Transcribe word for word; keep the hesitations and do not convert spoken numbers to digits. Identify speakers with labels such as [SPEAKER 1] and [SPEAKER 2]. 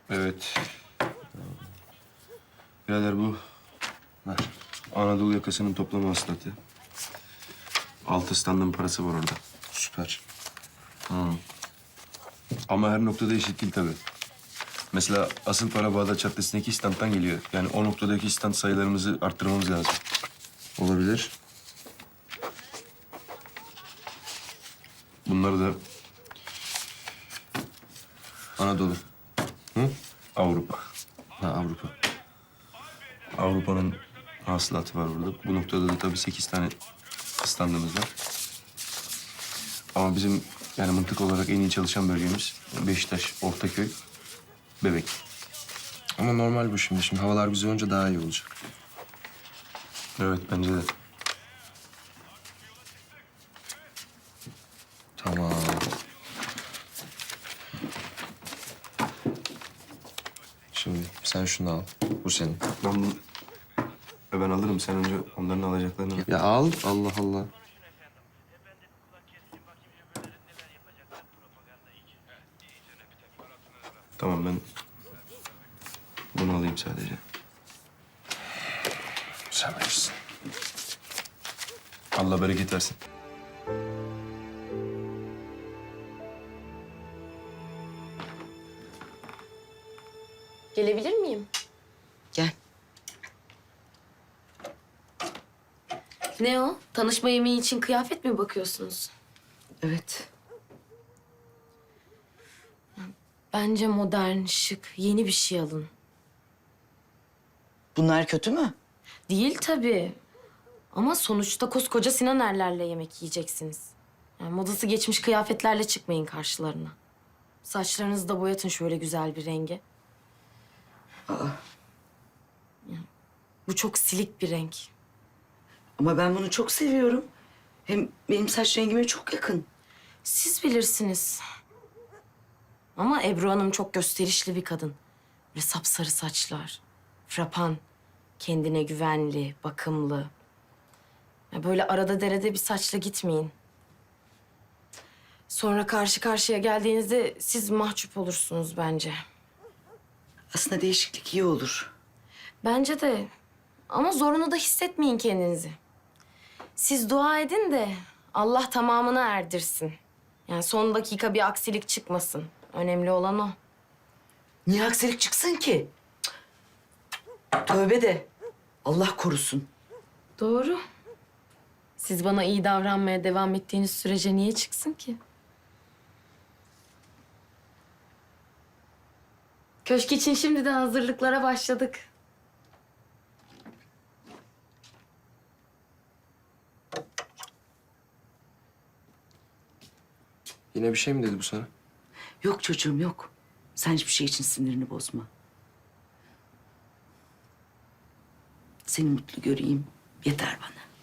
[SPEAKER 1] Evet. Birader bu ver. Anadolu yakasının toplama hasılatı. Altı standın parası var orada.
[SPEAKER 2] Süper.
[SPEAKER 1] Hmm. Ama her noktada eşit değil tabii. Mesela asıl para Bağdat Caddesi'ndeki standtan geliyor. Yani o noktadaki stand sayılarımızı arttırmamız lazım.
[SPEAKER 2] Olabilir.
[SPEAKER 1] Bunları da Anadolu. Hı? Avrupa.
[SPEAKER 2] Ha, Avrupa.
[SPEAKER 1] Avrupa'nın hasılatı var burada. Bu noktada da tabii sekiz tane standımız var. Ama bizim yani mıntık olarak en iyi çalışan bölgemiz Beşiktaş, Ortaköy, Bebek.
[SPEAKER 2] Ama normal bu şimdi. Şimdi havalar güzel olunca daha iyi olacak.
[SPEAKER 1] Evet bence de.
[SPEAKER 2] Tamam. Şimdi sen şunu al. Bu senin.
[SPEAKER 1] Ben bunu ben alırım. Sen önce onların alacaklarını al.
[SPEAKER 2] Ya al. Allah Allah.
[SPEAKER 1] Tamam ben bunu alayım sadece.
[SPEAKER 2] Sen bilirsin.
[SPEAKER 1] Allah bereket versin.
[SPEAKER 3] Gelebilir miyim?
[SPEAKER 4] Gel.
[SPEAKER 3] Ne o? Tanışma yemeği için kıyafet mi bakıyorsunuz?
[SPEAKER 4] Evet.
[SPEAKER 3] Bence modern, şık, yeni bir şey alın.
[SPEAKER 4] Bunlar kötü mü?
[SPEAKER 3] Değil tabii. Ama sonuçta koskoca Sinan Erler'le yemek yiyeceksiniz. Yani modası geçmiş kıyafetlerle çıkmayın karşılarına. Saçlarınızı da boyatın şöyle güzel bir renge.
[SPEAKER 4] Aa,
[SPEAKER 3] Yani bu çok silik bir renk.
[SPEAKER 4] ama ben bunu çok seviyorum. Hem benim saç rengime çok yakın.
[SPEAKER 3] Siz bilirsiniz. Ama Ebru Hanım çok gösterişli bir kadın. Böyle sapsarı saçlar, frapan, kendine güvenli, bakımlı. Ya böyle arada derede bir saçla gitmeyin. Sonra karşı karşıya geldiğinizde siz mahcup olursunuz bence.
[SPEAKER 4] Aslında değişiklik iyi olur.
[SPEAKER 3] Bence de. Ama zorunu da hissetmeyin kendinizi. Siz dua edin de Allah tamamını erdirsin. Yani son dakika bir aksilik çıkmasın. Önemli olan o.
[SPEAKER 4] Niye aksilik çıksın ki? Cık. Tövbe de. Allah korusun.
[SPEAKER 3] Doğru. Siz bana iyi davranmaya devam ettiğiniz sürece niye çıksın ki? Köşk için şimdiden hazırlıklara başladık.
[SPEAKER 2] Yine bir şey mi dedi bu sana?
[SPEAKER 4] Yok çocuğum yok. Sen hiçbir şey için sinirini bozma. Seni mutlu göreyim. Yeter bana.